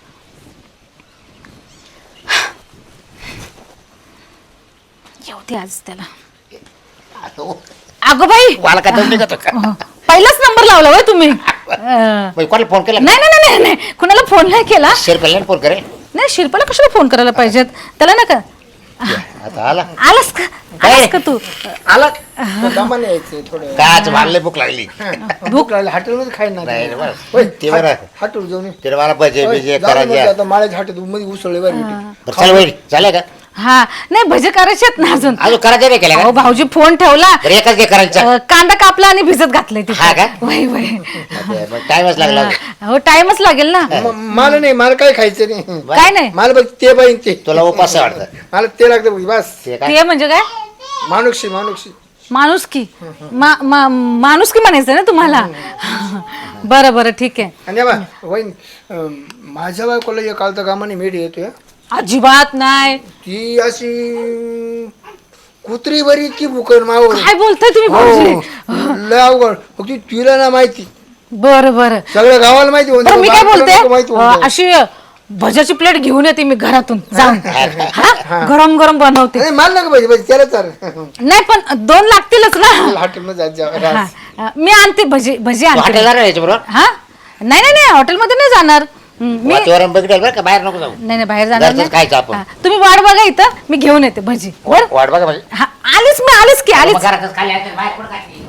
[SPEAKER 1] येऊ दे आज त्याला.
[SPEAKER 3] आता
[SPEAKER 1] अगं बाई
[SPEAKER 3] मला काय दम निघतो का?
[SPEAKER 1] अह, पहिलाच नंबर लावला होय तुम्ही. अह,
[SPEAKER 3] बाई, कोणाला फोन केला?
[SPEAKER 1] नाही नाही नाही नाही नाही कुणाला फोन नाही केला.
[SPEAKER 3] शेरपेला फोन करे.
[SPEAKER 1] नाही शिल्पाला कशाला फोन करायला पाहिजेत त्याला ना का.
[SPEAKER 3] आता आला
[SPEAKER 1] आलास का? आलास का तू?
[SPEAKER 2] आला दमाने यायचं थोडं.
[SPEAKER 3] काच मारले भूक लागली.
[SPEAKER 2] भूक लागली हॉटेलमध्ये खाईना.
[SPEAKER 3] नाही रे बरं.
[SPEAKER 2] होय,
[SPEAKER 3] ते बरं.
[SPEAKER 2] हॉटेल जाऊन ये.
[SPEAKER 3] तिला मला भजे
[SPEAKER 2] होय,
[SPEAKER 3] बिजे
[SPEAKER 2] जाऊ दे मग
[SPEAKER 3] करायचे.
[SPEAKER 2] आता माळ्याच्या हॉटेल मध्ये उसळले बरं भेटेल.
[SPEAKER 3] बरं, चल वहिनी झालं का?
[SPEAKER 1] हा नाही भजे करायचे आहेत ना अजून.
[SPEAKER 3] अजून करायचं नाही केलं
[SPEAKER 1] अहो
[SPEAKER 3] का
[SPEAKER 1] भाऊजी फोन ठेवला,
[SPEAKER 3] तर एकच घे करायचं
[SPEAKER 1] अ, कांदा कापला आणि भिजत घातलंय तिथे.
[SPEAKER 3] हा का?
[SPEAKER 1] वय वय
[SPEAKER 3] टाइमच लागला
[SPEAKER 1] हो टाइमच लागेल ना.
[SPEAKER 2] म- मला नाही, मला काय खायचं नाही.
[SPEAKER 1] काय नाही
[SPEAKER 2] मला बघ ते बाई ते
[SPEAKER 3] तुला उपास आहे वाटतं
[SPEAKER 2] मला ते लागतं बस.
[SPEAKER 3] ते काय
[SPEAKER 1] ते म्हणजे काय
[SPEAKER 2] मानुक्षी मानुक्षी
[SPEAKER 1] माणुसकी मा- मा- माणुसकी म्हणायचं ना तुम्हाला. बरं बरं ठीक आहे.
[SPEAKER 2] आणि बा वहीन अं, माझ्या बायकोला एक कालचा कामाने मेढ येतोय.
[SPEAKER 1] अजिबात नाही.
[SPEAKER 2] ती अशी कुत्री बरी इतकी भुकन मावर.
[SPEAKER 1] काय बोलताय तुम्ही भाऊजी?
[SPEAKER 2] हो लय अवघड. फक्त तिला ना माहिती,
[SPEAKER 1] बरं बरं
[SPEAKER 2] सगळ्या गावाला माहिती होतं.
[SPEAKER 1] बरं मी काय
[SPEAKER 2] बायकोला नको
[SPEAKER 1] बोलते
[SPEAKER 2] माहिती
[SPEAKER 1] अ,
[SPEAKER 2] होतं.
[SPEAKER 1] अशी भज्याची प्लेट घेऊन येते मी घरातून जाऊन. हा गरम गरम बनवते.
[SPEAKER 2] नाही मला नका पाहिजे पाहिजे त्याला चाल
[SPEAKER 1] नाही पण दोन लागतीलच ना.
[SPEAKER 2] हॉटेलमध्ये जात जा.
[SPEAKER 1] हा, अ, मी आणते भजी भजी आणते.
[SPEAKER 3] हॉटेलला राहायचं बरोबर
[SPEAKER 1] हा नाही नाही नाही हॉटेलमध्ये नाही जाणार. हं, मी
[SPEAKER 3] वातावरण बघितलं बरं का बाहेर नको जाऊ
[SPEAKER 1] नाही नाही बाहेर जाणार
[SPEAKER 3] घरचंच खायचं आपण.
[SPEAKER 1] हा, तुम्ही वाट बघा इथं मी घेऊन येते भजी. बर
[SPEAKER 3] वाट बघा म्हणजे
[SPEAKER 1] हा आलीच मी आलीच की आलीच.
[SPEAKER 3] घरातच खाली आहे तर बाहेर कुठं खायची?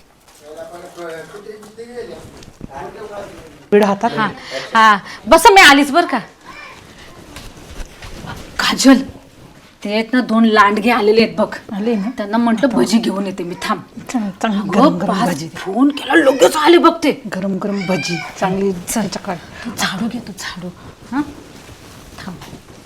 [SPEAKER 4] बीड हातात
[SPEAKER 1] हा हा बस मी आलीच बर का. काजल ते आहेत ना दोन लांडगे आलेले आहेत बघ.
[SPEAKER 4] आले ना
[SPEAKER 1] त्यांना म्हटलं भजी घेऊन येते मी थांब.
[SPEAKER 4] चांग- चांगली
[SPEAKER 1] अगं,
[SPEAKER 4] गरम गरम
[SPEAKER 1] पाच
[SPEAKER 4] भाजी
[SPEAKER 1] फोन केला लगेच आले बघ ते.
[SPEAKER 4] गरम गरम भजी चांगली चकाळ.
[SPEAKER 1] तू झाडू घे तू झाडू. हा थांब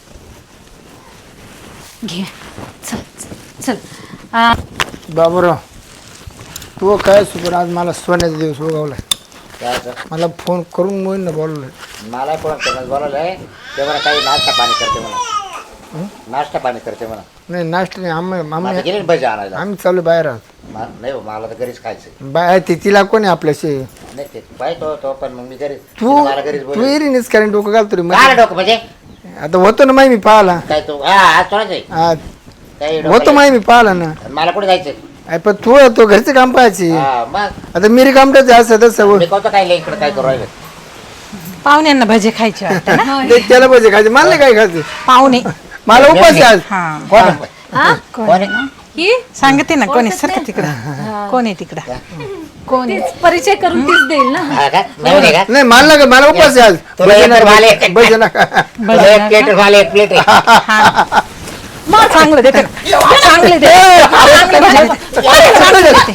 [SPEAKER 1] घे चल चल, चल आ,
[SPEAKER 2] बाबूराव तू काय सुपर आज मला सोन्याचा दिवस उगवला.
[SPEAKER 3] काय असं?
[SPEAKER 2] मला फोन करून मोहीन बोलवलं.
[SPEAKER 3] मला कोण करणार बोलावलंय ते मला काही नाश्ता पाणी करते म्हणा नाश्ता पाणी करते म्हणा
[SPEAKER 2] नाही नाश्ता नाही आम्ही
[SPEAKER 3] माझं
[SPEAKER 2] आम्ही
[SPEAKER 3] गेले भजी आणायला
[SPEAKER 2] आम्ही चालू बाहेर आहोत.
[SPEAKER 3] मा- नाही हो, मला तर घरीच खायचं
[SPEAKER 2] बाय ते तिला कोणी आपल्याशी
[SPEAKER 3] नाही ते पाहिजे तो तो पण मग मी घरी
[SPEAKER 2] तू
[SPEAKER 3] मला घरीच
[SPEAKER 2] तू
[SPEAKER 3] बोल
[SPEAKER 2] एरीनेच कारण डोकं घालतो रे
[SPEAKER 3] काय
[SPEAKER 2] मध्ये.
[SPEAKER 3] डोकं म्हणजे
[SPEAKER 2] आता होतो ना माही मी पाहिला.
[SPEAKER 3] काय तू हा आज थोडाच आहे
[SPEAKER 2] हा,
[SPEAKER 3] काही
[SPEAKER 2] होतो
[SPEAKER 3] डोकं
[SPEAKER 2] माही मी पाहिला ना.
[SPEAKER 3] नाही. मला कुठे जायचं
[SPEAKER 2] अरे पण तू तो घरचं काम पाहायची.
[SPEAKER 3] हा मग
[SPEAKER 2] आता मिरी काम करायचं असं तसं
[SPEAKER 3] मी कोणतं काय इकडे काय करू राहिलं
[SPEAKER 4] पाहुण्यांना भजी खायची वाटतं ना.
[SPEAKER 2] ते त्याला पाहिजे खायचे मला नाही काय खायचं.
[SPEAKER 4] पाहुणे
[SPEAKER 2] मला उपास आहे आज.
[SPEAKER 4] हा
[SPEAKER 3] कोण आहे? कोण आहे?
[SPEAKER 1] ही
[SPEAKER 4] सांगते ना कोणी सारखं तिकडं कोण आहे तिकडं कोण आहे?
[SPEAKER 1] तीच परिचय करून तीच देईल ना.
[SPEAKER 3] हा का नवीन आहे का
[SPEAKER 2] नाही मला नका मला उपास आहे आज.
[SPEAKER 3] तुला
[SPEAKER 2] भजे
[SPEAKER 3] एक तर मला
[SPEAKER 2] नका
[SPEAKER 3] एक-
[SPEAKER 2] भजे नका.
[SPEAKER 3] मला एक प्लेट मला एक प्लेट आहे
[SPEAKER 4] मग चांगलं देते चांगले दे चांगले भजी. चांगले देते.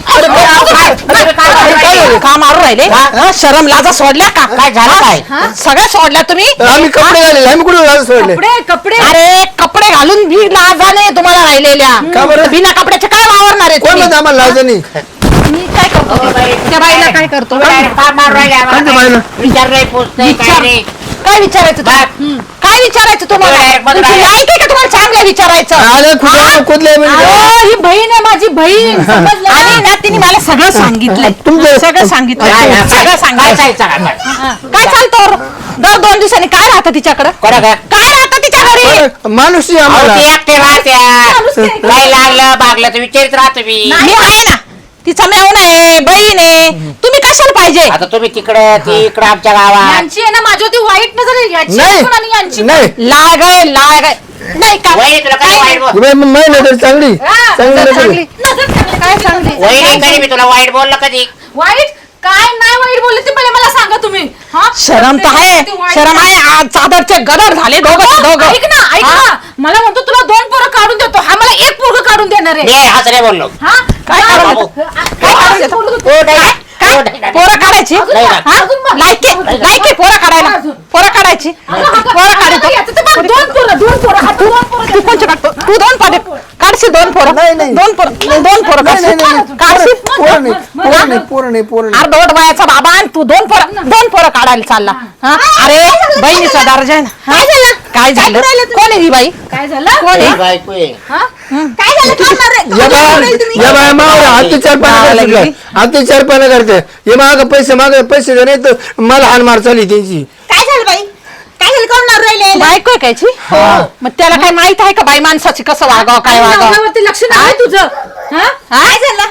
[SPEAKER 4] का मारू राहिले हा, शरम लाजा सोडल्या का
[SPEAKER 3] काय झालं काय
[SPEAKER 4] सगळ्या सोडल्या तुम्ही.
[SPEAKER 2] आम्ही कपडे घालेले आम्ही कुठे घालून सोडले.
[SPEAKER 1] कपडे कपडे
[SPEAKER 4] अरे कपडे घालून भी लाजा नाही तुम्हाला राहिलेल्या.
[SPEAKER 2] का बरं?
[SPEAKER 4] बिना कपड्याचे काय वावरणार आहे
[SPEAKER 2] कोण
[SPEAKER 4] तुम्ही?
[SPEAKER 2] म्हणतं आम्हाला लाज नाही.
[SPEAKER 4] मी काय करतो त्या बाईला काय करतो
[SPEAKER 2] कोणत्या बाईला?
[SPEAKER 3] विचार नाही पोच नाही काय नाही
[SPEAKER 4] काय विचारायचं तुला? काय विचारायचं तुम्हाला
[SPEAKER 3] direct मध्ये
[SPEAKER 4] तुमची
[SPEAKER 3] direct.
[SPEAKER 4] लायक आहे का तुम्हाला चांगलं विचारायचं?
[SPEAKER 2] आले कुठे कुठले
[SPEAKER 1] अहो, ही बहीण आहे माझी बहीण समजलं ना?
[SPEAKER 4] आणि ना तिने मला सगळं सांगितलंय
[SPEAKER 2] तुमचं-
[SPEAKER 4] सगळं सांगितलं
[SPEAKER 3] काय
[SPEAKER 4] सगळं
[SPEAKER 3] काय
[SPEAKER 4] सांगितलं
[SPEAKER 3] चालतं काय?
[SPEAKER 4] काय चालतं दर दोन दिवसांनी काय राहतं तिच्याकडं
[SPEAKER 3] कोणा काय
[SPEAKER 4] काय राहतं तिच्या घरी?
[SPEAKER 2] माणूस आहे
[SPEAKER 3] अहो,
[SPEAKER 2] आम्हाला.
[SPEAKER 3] ती एकटे राहत्या काय लागलं बागलं तर विचारित राहतो मी
[SPEAKER 4] मी आहे ना तिचा मेवणा आहे बहीण आहे तुम्ही कशाला पाहिजे?
[SPEAKER 3] आता तुम्ही तिकडे ती इकडे आमच्या गावात
[SPEAKER 1] यांची आहे ना माझ्यावरती वाईट नजर आहे. याची
[SPEAKER 2] नाही
[SPEAKER 1] पण आणि यांची पण.
[SPEAKER 2] नाही
[SPEAKER 4] लाग आहे लाग आहे नाही का
[SPEAKER 3] वहिनी तुला काय वाईट बोल
[SPEAKER 2] तुम्ही माही नजर चांगली
[SPEAKER 1] हा,
[SPEAKER 2] चांगली
[SPEAKER 1] नजर
[SPEAKER 2] नजर
[SPEAKER 1] चांगली.
[SPEAKER 2] आहे.
[SPEAKER 1] नजर चांगली. काय चांगली?
[SPEAKER 3] वहिनी कधी मी तुला वाईट बोललं कधी
[SPEAKER 1] वाईट काय नाही वाईट बोलले ते पहिले मला सांगा तुम्ही. हा?
[SPEAKER 4] शरम तर आहे
[SPEAKER 1] ते वाईट-
[SPEAKER 4] शरम आहे आज चादरचे गदर झाले दोघं दोघं
[SPEAKER 1] ऐक ना ऐक ना मला म्हणतो तुला दोन पोरं काढून देतो हा मला एक पोरं काढून देणार आहे.
[SPEAKER 3] मी हस नाही बोललो
[SPEAKER 1] हा
[SPEAKER 4] काय
[SPEAKER 1] काय
[SPEAKER 4] काढून
[SPEAKER 3] बाबू.
[SPEAKER 1] काय
[SPEAKER 4] काढून
[SPEAKER 1] असं
[SPEAKER 4] देतो?
[SPEAKER 1] बोलत होती?
[SPEAKER 3] ओ, नाही,
[SPEAKER 1] काय?
[SPEAKER 3] नाही, ओ, नाही, नाही.
[SPEAKER 4] पोरं काढायची
[SPEAKER 1] अजून
[SPEAKER 3] नाही,
[SPEAKER 1] बघ,
[SPEAKER 3] नाही.
[SPEAKER 1] अजून बघ.
[SPEAKER 4] लायके लायके पोरं काढायला
[SPEAKER 1] अजून.
[SPEAKER 4] पोरं काढायची
[SPEAKER 1] अगं, अगं,
[SPEAKER 4] पोरं
[SPEAKER 1] अगं,
[SPEAKER 4] काढतो
[SPEAKER 1] याचं तर बघ, दोन पोरं दोन पोरं हा, दोन पोरं
[SPEAKER 4] तू कोणचे काढतो तू दोन पाडे काढशील दोन पोरं
[SPEAKER 2] नाही, नाही.
[SPEAKER 4] दोन पोरं दोन पोरं
[SPEAKER 2] नाही नाही नाही
[SPEAKER 4] काढशील काढशील
[SPEAKER 2] पोरं नाही पोरं नाही पोरं नाही पोरं नाही
[SPEAKER 4] अर्धवट वयाचा बाबा आणि तू दोन पोरं दोन पोरं काढायला चालला हा? अरे बहिणीचा दर्जा आहे ना हा? काय झालं कोण आहे ही बाई
[SPEAKER 1] काय झालं
[SPEAKER 4] कोण आहे
[SPEAKER 3] ही बायको आहे.
[SPEAKER 1] हा? काय झालं थांबणार रे?
[SPEAKER 2] या बाया या बाया मावर अत्याचार पाना करते अत्याचार पाना करते हे माग पैसे माग पैसे दे नाही तर मला हान मार चालली त्यांची.
[SPEAKER 4] काय झालं बाई काय झालं कोण मारू राहिले बायको आहे कायची मग त्याला काय माहित आहे का बाई माणसाची कसं वागावं काय
[SPEAKER 1] आणि
[SPEAKER 4] वागावं
[SPEAKER 1] नवऱ्यावरती लक्ष नाही तुझं हा?
[SPEAKER 4] काय झालं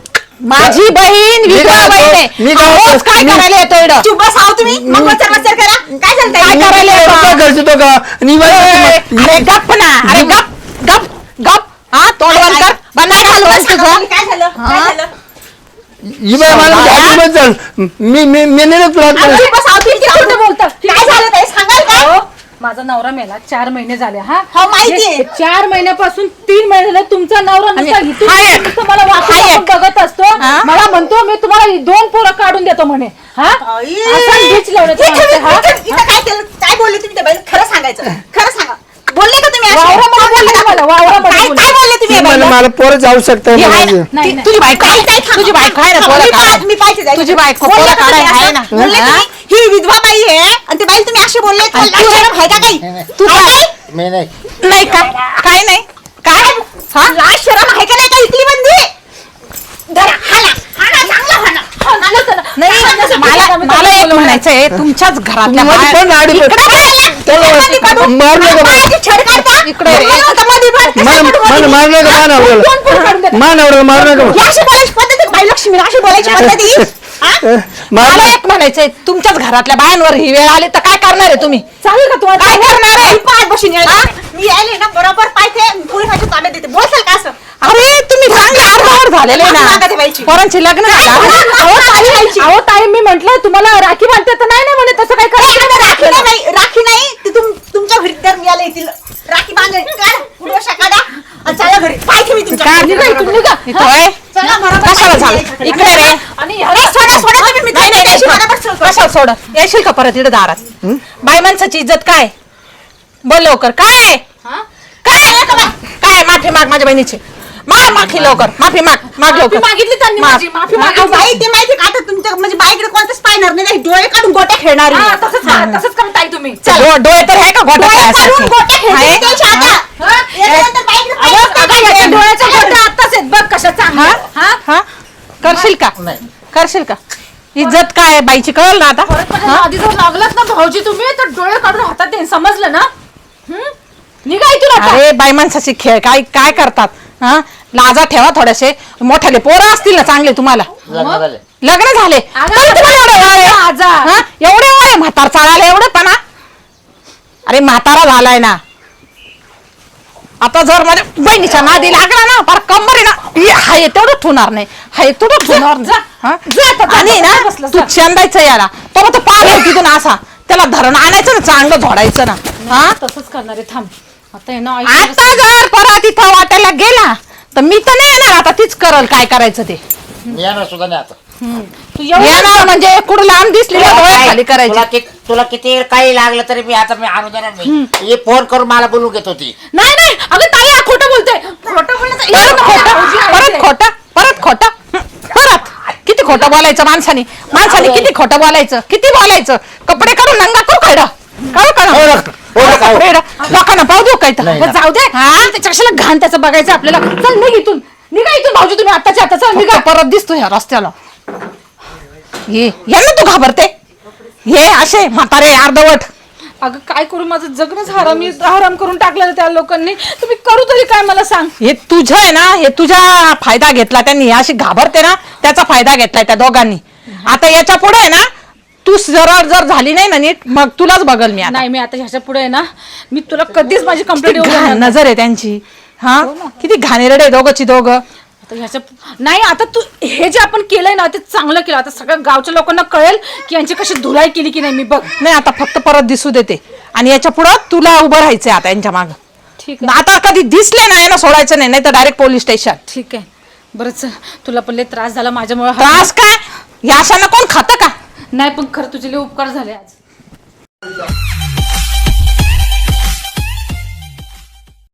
[SPEAKER 4] माझी बहीण
[SPEAKER 2] मी
[SPEAKER 4] विधवा
[SPEAKER 2] काय
[SPEAKER 4] बहीण आहे.
[SPEAKER 2] म्हणतो? मी काय
[SPEAKER 4] रोज
[SPEAKER 2] म्हणतो?
[SPEAKER 4] काय
[SPEAKER 2] मी-
[SPEAKER 4] करायला येतो इकडं?
[SPEAKER 6] चुप बस आहो तुम्ही मग वचर वचर करा काय झालं
[SPEAKER 4] काय करायला
[SPEAKER 2] काय
[SPEAKER 4] येतो?
[SPEAKER 2] करतो तो का आणि
[SPEAKER 4] ए,
[SPEAKER 2] बाई-
[SPEAKER 4] अरे गप ना अरे गप गप गप हा तोंड बंद कर बंद कर हलवून तुझं
[SPEAKER 6] काय झालं काय झालं
[SPEAKER 2] ही बाई मला म्हणजे हातूनच चाल. मी मी मी नाही तुला
[SPEAKER 1] आणि
[SPEAKER 2] हात-
[SPEAKER 1] बस आऊ, ती खोटं बोलतं.
[SPEAKER 6] काय झालं ते सांगाल का
[SPEAKER 1] माझा नवरा मेला चार महिने झाले हा
[SPEAKER 6] हो, माहितीये.
[SPEAKER 1] हे चार महिन्यापासून तीन महिने झाले तुमचा नवरा नुसता इथून
[SPEAKER 4] हाय.
[SPEAKER 1] तिथून नुसतं मला वाकून वाकून बघत असतो मला म्हणतो मी तुम्हाला दोन पोरं काढून देतो म्हणे हा
[SPEAKER 6] आई.
[SPEAKER 1] असा ढीच लावण्याचा
[SPEAKER 6] इथं-
[SPEAKER 1] माणूस आहे, हा?
[SPEAKER 6] इथं- इथं काय केलं काय बोलले तुम्ही त्या बाईला? खरं सांगायचं खरं सांगा बोलले का तुम्ही असे?
[SPEAKER 1] वावरामध्ये बोलले का मला? वावरामध्ये
[SPEAKER 6] काय
[SPEAKER 1] बोलले.
[SPEAKER 6] काय बोलले तुम्ही या
[SPEAKER 2] मला
[SPEAKER 6] बाईला?
[SPEAKER 2] मला पोरं जाऊ शकता
[SPEAKER 4] ही आहे
[SPEAKER 2] माझे.
[SPEAKER 4] ना,
[SPEAKER 1] नाही,
[SPEAKER 4] ती-
[SPEAKER 1] नाही.
[SPEAKER 4] तुझी बायको
[SPEAKER 6] काय- काय थांबा.
[SPEAKER 4] तुझी बायको आहे ना
[SPEAKER 6] थांबा,
[SPEAKER 4] पोरं
[SPEAKER 6] मी
[SPEAKER 4] काढायला.
[SPEAKER 6] पा- मी पाहिजे जायचं.
[SPEAKER 4] तुझी बायको
[SPEAKER 6] बोलले
[SPEAKER 4] पोरं
[SPEAKER 6] का तुम्ही
[SPEAKER 4] काढायला आहे
[SPEAKER 6] असं?
[SPEAKER 4] ना?
[SPEAKER 6] बोलले
[SPEAKER 4] हा?
[SPEAKER 6] तुम्ही ही विधवा बाई आहे आणि ते बाई तुम्ही असे बोलले
[SPEAKER 4] आणि
[SPEAKER 6] तुम्हाला
[SPEAKER 4] तू-
[SPEAKER 6] शरम आहे का काही
[SPEAKER 4] तू
[SPEAKER 6] आहे
[SPEAKER 4] काय?
[SPEAKER 6] काही?
[SPEAKER 3] मी नाही
[SPEAKER 4] नाही का काय नाही काय हा
[SPEAKER 6] लाज शरम आहे का नाही का इकली बंदी धरा हाना हाना चांगला हाना हाना चला.
[SPEAKER 4] नाही मला मला एक म्हणायचंय तुमच्याच घरातल्या
[SPEAKER 2] मध्ये
[SPEAKER 4] बाया-
[SPEAKER 2] पण आडी
[SPEAKER 6] इकडे बघायला.
[SPEAKER 2] त्याला
[SPEAKER 6] मध्ये काढून.
[SPEAKER 2] मारू नका.
[SPEAKER 6] बाळाची छेड काढता.
[SPEAKER 4] इकडे रे.
[SPEAKER 6] मला होतं मध्ये पण.
[SPEAKER 2] मान मान मारू नका मान आवडलं मान आवडलं मारू नका
[SPEAKER 6] ही अशी बोलायची पद्धत आहे का बाई लक्ष्मी अशी बोलायची पद्धत आहे? हा?
[SPEAKER 2] मारू
[SPEAKER 4] मला
[SPEAKER 2] नका.
[SPEAKER 4] एक म्हणायचंय तुमच्याच घरातल्या बायांवर ही वेळ आली तर काय करणार आहे तुम्ही
[SPEAKER 1] चालेल का तुम्हाला
[SPEAKER 6] काय करणार आहे? पाय बसून यायला. मी यायले ना बरोबर पाहिजे पोलिसाच्या ताब्यात देते बोलसाल का असं
[SPEAKER 4] अरे तुम्ही चांगले अर्धावर झालेले
[SPEAKER 6] माफी मागा
[SPEAKER 4] ना
[SPEAKER 6] त्या बाईची.
[SPEAKER 4] पोरांची लग्न झाली.
[SPEAKER 1] अहो ताई अहो ताई मी म्हंटल तुम्हाला राखी बांधते तर नाही नाही म्हणे तसं काय
[SPEAKER 6] राखी
[SPEAKER 1] करायचं
[SPEAKER 6] नाही, राखी नाही राखी नाही ती तुम तुमच्या घरी दर मिळाले येतील राखी बांधून काढा उडवशा काढा आणि चला घरी पाहिजे मी तुमच्या
[SPEAKER 4] काय
[SPEAKER 6] घरी.
[SPEAKER 1] निघा इथून, निघा.
[SPEAKER 4] इथं होय?
[SPEAKER 6] चला बरोबर
[SPEAKER 4] कशाला
[SPEAKER 6] पाहिजे.
[SPEAKER 4] झालं इकडे रे
[SPEAKER 1] आणि
[SPEAKER 6] अरे सोडा सोडा तुम्ही मी
[SPEAKER 4] नाही नाही
[SPEAKER 6] त्याशी
[SPEAKER 4] नाही
[SPEAKER 6] बरोबर सोडतो.
[SPEAKER 4] कशाला सोड येशील का परत इकडे दारात बाई माणसाची इज्जत काय बोल लवकर काय
[SPEAKER 1] हा?
[SPEAKER 4] काय काय माफी माग माझ्या बहिणीची माग माफी लवकर माफी माग माग
[SPEAKER 1] माफी
[SPEAKER 4] लवकर
[SPEAKER 1] मागितली त्यांनी
[SPEAKER 4] माग.
[SPEAKER 1] माझी माफी
[SPEAKER 6] अहो,
[SPEAKER 1] मागितली
[SPEAKER 6] बाई ते माहिती का आता तुमच्या म्हणजे बाईकडे कोणतंच पाहणार नाही नाही, डोळे काढून गोट्या खेळणार
[SPEAKER 1] हा, तसंच करा तसंच करा ताई तुम्ही
[SPEAKER 4] डो- डोळे तर आहे का गोटा
[SPEAKER 6] डोळे काढून
[SPEAKER 4] खेळायसाठी?
[SPEAKER 6] गोट्या
[SPEAKER 4] आहे?
[SPEAKER 6] खेळते त्याच्या आता
[SPEAKER 1] हा?
[SPEAKER 6] याच्यानंतर बाईकडे
[SPEAKER 1] अगं,
[SPEAKER 6] पाहिजे
[SPEAKER 1] अगं, याच्या डोळ्याच्या गोट्या आत्ताच आहेत बघ कशा
[SPEAKER 4] हा
[SPEAKER 1] चांगल्या हा
[SPEAKER 4] हा करशील का करशील का इज्जत काय आहे बाईची कळलं ना आता
[SPEAKER 1] परत माझ्या आधी जर लागलात ना भाऊजी तुम्ही तर डोळे काढून हातात देईन समजलं ना हं? निघा इथून आता.
[SPEAKER 4] अरे बाई माणसाचे खेळ काय काय करतात हा लाजा ठेवा थोडेसे मोठ्याले पोरं असतील ना चांगले तुम्हाला
[SPEAKER 3] लग्न झाले
[SPEAKER 4] लग्न झाले
[SPEAKER 1] अगं,
[SPEAKER 4] तरी तुम्हाला एवढे वय आहे?
[SPEAKER 1] आजा.
[SPEAKER 4] हा? एवढे वय आहे म्हातार चालायला एवढे पणा अरे म्हातारा झालाय ना आता जर माझ्या बहिणीच्या नादी लागला ना फार कंबर आहे ना हे हाय तेवढं ठेवणार नाही हाय तेवढं ठेवणार नाही हा? आणि ना
[SPEAKER 1] बसलं,
[SPEAKER 4] तू
[SPEAKER 1] जा.
[SPEAKER 4] चंदायचं याला तो तो पाग आहे तिथून असा त्याला धरण आणायचं ना चांगलं झोडायचं ना हा
[SPEAKER 1] तसंच करणार आहे थांब आता आहे ना आई
[SPEAKER 4] आता जर परत इथं वाटायला गेला तर मी तर नाही येणार आता तीच करल काय करायचं ते
[SPEAKER 3] मी येणार सुद्धा नाही आता
[SPEAKER 1] तू एवढं
[SPEAKER 4] येणार म्हणजे कुठं लांब दिसली ना डोळे खाली
[SPEAKER 3] तुला
[SPEAKER 4] करायची
[SPEAKER 3] कि- तुला किती काही लागलं तरी मी आता मी आणू देणार नाही हे फोन करून मला बोलून घेत होती
[SPEAKER 1] नाही नाही अगं ताई हा खोटं बोलते खोटं बोलण्याचं
[SPEAKER 4] परत खोटं
[SPEAKER 1] भाऊजी आहे
[SPEAKER 4] परत
[SPEAKER 1] ते.
[SPEAKER 4] खोटं परत खोटं हं, परत किती खोटं बोलायचं माणसाने माणसाने किती खोटं बोलायचं किती बोलायचं कपडे काढून नंगा करू काढ काढू काढ लोकांना पाहू देऊ काय तर
[SPEAKER 3] नाही,
[SPEAKER 1] बरं, जाऊ दे त्याच्या कशाला घाण त्याचं बघायचं आपल्याला चल निघ इथून निघा इथून भाऊजी तुम्ही आत्ताच्या आता चल निघा
[SPEAKER 4] निघा परत दिसतो ह्या रस्त्याला ये यांना तू घाबरते हे असे म्हातारे अर्धवट
[SPEAKER 1] अगं काय करू माझं जगणंच हराम हराम करून टाकलं त्या लोकांनी तुम्ही करू तरी काय मला सांग
[SPEAKER 4] हे तुझं आहे ना हे तुझा फायदा घेतला त्यांनी हे अशी घाबरते ना त्याचा फायदा घेतलाय त्या दोघांनी आता याच्या पुढे आहे ना तू जरा जर झाली नाही ना नीट मग तुलाच बघल मी आता
[SPEAKER 1] नाही मी आता ह्याच्या पुढे आहे ना मी तुला कधीच माझी
[SPEAKER 4] किती
[SPEAKER 1] कंप्लेंट येऊ
[SPEAKER 4] घाण
[SPEAKER 1] देणार नाही.
[SPEAKER 4] नजर आहे त्यांची हा किती घाणेरडे दोघंची दोघं
[SPEAKER 1] आता ह्याच्या नाही आता तू हे जे आपण केलंय ना ते चांगलं केलं आता सगळ्या गावच्या लोकांना कळेल की यांची कशी धुलाई केली की नाही मी बघ
[SPEAKER 4] नाही आता फक्त परत दिसू देते आणि याच्या पुढं तुला उभं राहायचंय आता यांच्या माग
[SPEAKER 1] ठीक आहे
[SPEAKER 4] आता कधी दिसले ना यांना सोडायचं नाही नाही तर डायरेक्ट पोलीस स्टेशन
[SPEAKER 1] ठीक आहे बरं चल तुला पण लय त्रास झाला माझ्यामुळे
[SPEAKER 4] त्रास काय या अशांना कोण खातं का
[SPEAKER 1] नाही पण खरं तुझे लय उपकार झाले आज